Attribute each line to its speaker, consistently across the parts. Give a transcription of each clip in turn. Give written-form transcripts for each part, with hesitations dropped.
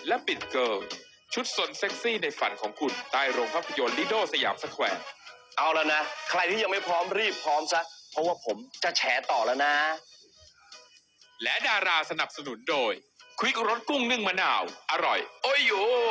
Speaker 1: และปิดเกิร์ลชุดสนเซ็กซี่ในฝันของคุณใต้โรงภาพยนตร์ลิโดสยามสแควร์
Speaker 2: เอาแล้วนะใครที่ยังไม่พร้อมรีบพร้อมซะเพราะว่าผมจะแฉต่อแล้วนะ
Speaker 1: และดาราสนับสนุนโดยควิกรสกุ้งนึ่งมะนาวอร่อยโอ้ยโย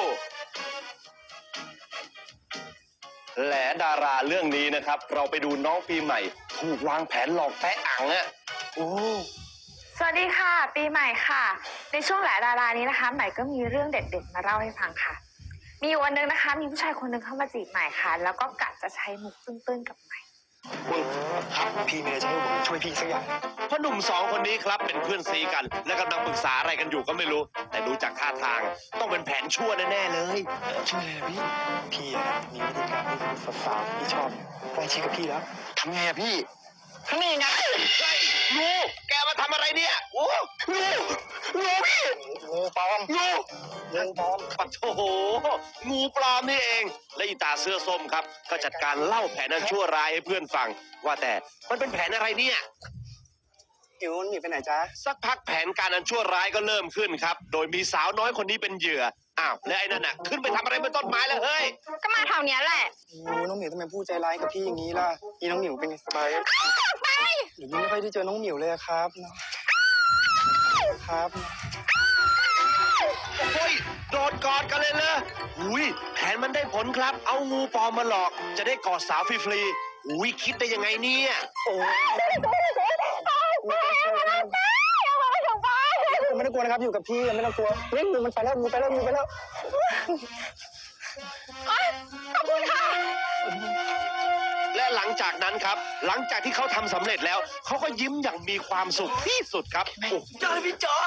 Speaker 2: และดาราเรื่องนี้นะครับเราไปดูน้องปีใหม่ถูกวางแผนหลอกแตะอังอ่ะโอ้
Speaker 3: สวัสดีค่ะปีใหม่ค่ะในช่วงแหละดารานี้นะคะใหม่ก็มีเรื่องเด็ดๆมาเล่าให้ฟังค่ะมีวันหนึ่งนะคะมีผู้ชายคนหนึ่งเข้ามาจีบใหม่ค่ะแล้วก็กะจะใช้มุกตื้นๆกับใหม่
Speaker 2: ครับพี่เมย์จะให้ผมช่วยพี่สักอย่างพ่อหนุ่มสองคนนี้ครับเป็นเพื่อนซีกันและกำลังปรึกษาอะไรกันอยู่ก็ไม่รู้แต่ดูจากท่าทางต้องเป็นแผนชั่วแน่ๆเลยช่วยเลยพี่มีวิธีการที่สาวๆที่ชอบใกล้ชิดกับพี่แล้วทำไงอะพี่นี่ไงงูแกมาทำอะไรเนี่ยโอ้งูพี่งูปลอมงูปลอมปัดโถงูปลอมนี่เองและอีตาเสื้อส้มครับก็จัดการเล่าแผนอันชั่วร้ายให้เพื่อนฟังว่าแต่มันเป็นแผนอะไรเนี่ยหิวหนีไปไหนจ๊ะสักพักแผนการอันชั่วร้ายก็เริ่มขึ้นครับโดยมีสาวน้อยคนนี้เป็นเหยื่ออ้าวแล้วไอ้นั่นน่ะขึ้นไปทำอะไรบนต้นไม้แล้วเฮ้ย
Speaker 3: ก็มาแถวเนี้ยแหละ
Speaker 4: น้องหมิวทำไมพูดใจร้ายกับพี่อย่างนี้ล่ะพี่น้องหมิวเป็นไงสบาย
Speaker 3: ไป
Speaker 4: หรือไม่ค่อยได้เจอน้องหมิวเลยครับครับ
Speaker 2: โอ้ยโดดกอดกันเลยเลยอุ้ยแผนมันได้ผลครับเอางูปลอมมาหลอกจะได้กอดสาวฟรีๆอุ้ยคิดได้ยังไงเนี่ยโอ้
Speaker 4: ไม่ต้องกลัวนะครับอยู่กับพี่ไม่ต้องกลัวเฮ้ยงูมันไปแล้วงูไปแล้ว
Speaker 3: ขอบคุณค่ะ
Speaker 2: และหลังจากนั้นครับหลังจากที่เขาทำสำเร็จแล้วเขาก็ยิ้มอย่างมีความสุขที่สุดครับเจอพี่จ๋อ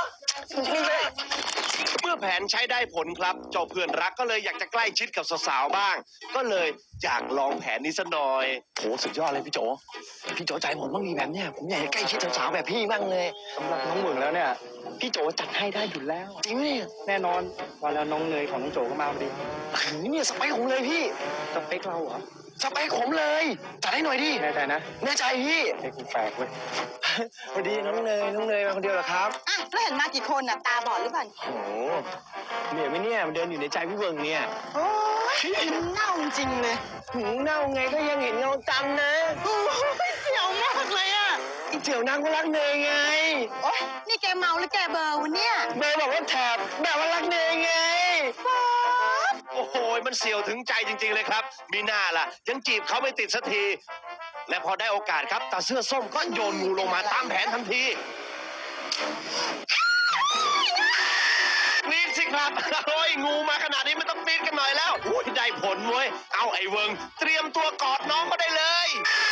Speaker 2: เมื่อแผนใช้ได้ผลครับเจ้าเพื่อนรักก็เลยอยากจะใกล้ชิดกับสาวๆบ้างก็เลยอยากลองแผนนี้ซะหน่อยโหสุดยอดเลยพี่โจใจผมต้องมีแบบเนี้ยผมอยากจะใกล้ชิดสาวๆแบบพี่บ้างเลย
Speaker 4: สำหรับน้องหมึงแล้วเนี่ยพี่โจจัดให้ได้อยู่แล้ว
Speaker 2: จริงเนี่ย
Speaker 4: แน่นอนวันแล้วน้องเนยของน้องโจก็มาพอดี
Speaker 2: นี่สเปคผมเลยพี่
Speaker 4: สเปคเราเหรอ
Speaker 2: สเปคผมเลยจัดให้หน่อยดิ
Speaker 4: แน่ใจนะ
Speaker 2: แน่ใจพี่
Speaker 4: เฮ้ยคุณแฝกเว้ยพอดีน้องเนยมาคนเดียวเหรอครับ
Speaker 5: อ่ะแล้วเห็นมากี่คนอ่ะตาบอดหรือเปล่า
Speaker 4: โอ้เนี่ยไม่เนี่ยมันเดินอยู่ในใจพี่เวิงเนี่ย
Speaker 5: โอ้ยเน่าจริงเลย
Speaker 4: หูเน่าไงก็ยังเห็นเงาจำนะ
Speaker 5: โอ้ยเสียวมากเลยอ่ะ
Speaker 4: เสี่ยวนางก็รักเนยไง
Speaker 5: โอ๊ยนี่แกเมาหรือแกเบอร์วะเนี่ย
Speaker 4: เนยบอกว่าแถบแบบว่ารักเนยไง
Speaker 2: โอ้โหมันเสียวถึงใจจริงๆเลยครับมีหน้าล่ะยังจีบเขาไม่ติดสักทีและพอได้โอกาสครับตาเสื้อส้มก็โยนงูลงมาตามแผนทันทีปีนสิครับโอ้ยงูมาขนาดนี้มันต้องปีนกันหน่อยแล้วอุ้ยได้ผลเว้ยเอาไอ้เวิงเตรียมตัวกอดน้องก็ได้เลย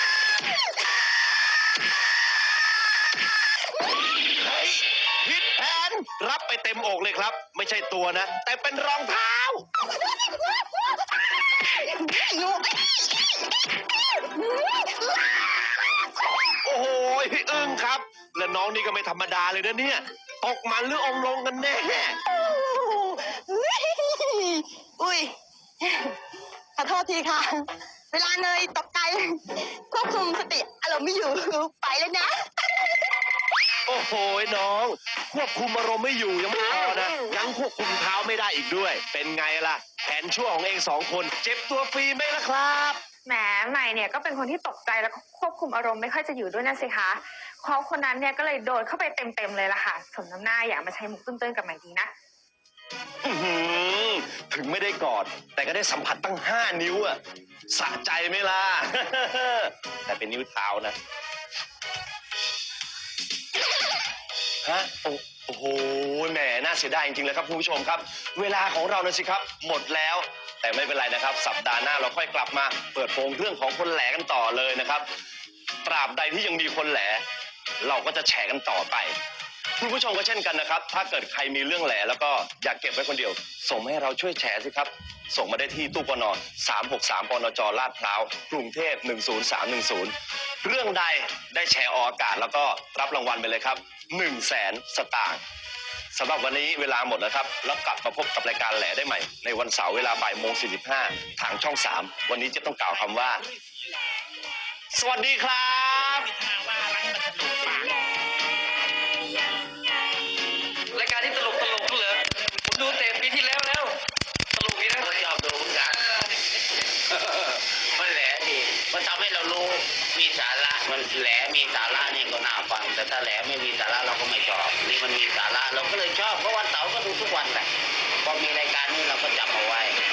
Speaker 2: เฮ้ยผิดแผนรับไปเต็มอกเลยครับไม่ใช่ตัวนะแต่เป็นรองเท้าโอ้โหอึ้งครับและน้องนี่ก็ไม่ธรรมดาเลยนะเนี่ยตกมันหรือองลงกันแน่
Speaker 5: อุ้ยขอโทษทีค่ะเวลาเนยตกใจควบคุมสติอารมณ์ไม่อยู่ไปแล้วนะ
Speaker 2: โอ้โหน้องควบคุมอารมณ์ไม่อยู่ยังไม่พอนะยังควบคุมเท้าไม่ได้อีกด้วยเป็นไงล่ะแผนชั่วของเองสองคนเจ็บตัวฟรีไหมล่ะครับ
Speaker 3: แหมใหม่เนี่ยก็เป็นคนที่ตกใจแล้วก็ควบคุมอารมณ์ไม่ค่อยจะอยู่ด้วยนะสิคะเขาคนนั้นเนี่ยก็เลยโดนเข้าไปเต็มเลยล่ะค่ะสมน้ำหน้าอยากมาใช้มุกตื้นๆกับใหม่ดีนะ
Speaker 2: ถึงไม่ได้กอดแต่ก็ได้สัมผัสตั้ง5 นิ้วอะสะใจไหมล่ะ แต่เป็นนิ้วเท้านะฮะโอ้โหแหมน่าเสียดายจริงๆเลยครับคุณผู้ชมครับเวลาของเรานะสิครับหมดแล้วแต่ไม่เป็นไรนะครับสัปดาห์หน้าเราค่อยกลับมาเปิดโปงเรื่องของคนแหลกันต่อเลยนะครับตราบใดที่ยังมีคนแหลเราก็จะแฉกันต่อไปคุณผู้ชมก็เช่นกันนะครับถ้าเกิดใครมีเรื่องแหลแล้วก็อยากเก็บไว้คนเดียวส่งมาให้เราช่วยแชร์สิครับส่งมาได้ที่ตู้ปน363ปนจลาดพร้าวกรุงเทพ10310เรื่องใดได้แชร์ออกอากาศแล้วก็รับรางวัลไปเลยครับ100,000 สตางค์สำหรับวันนี้เวลาหมดแล้วครับแล้วกลับมาพบกับรายการแหล่ได้ใหม่ในวันเสาร์เวลา13:45ทางช่อง3วันนี้จะต้องกล่าวคำว่าสวัสดีครับ
Speaker 6: รายการที่ตลกเหรอผมดูเตะปีที่แล้วมันทำให้เรารู้มีสาระมันแหลมีสาระนี่ก็น่าฟังแต่ถ้าแหลไม่มีสาระเราก็ไม่ชอบนี่มันมีสาระเราก็เลยชอบเพราะวันเสาร์ก็ดูทุกวันแหละพอมีรายการนี้เราก็จับเอาไว้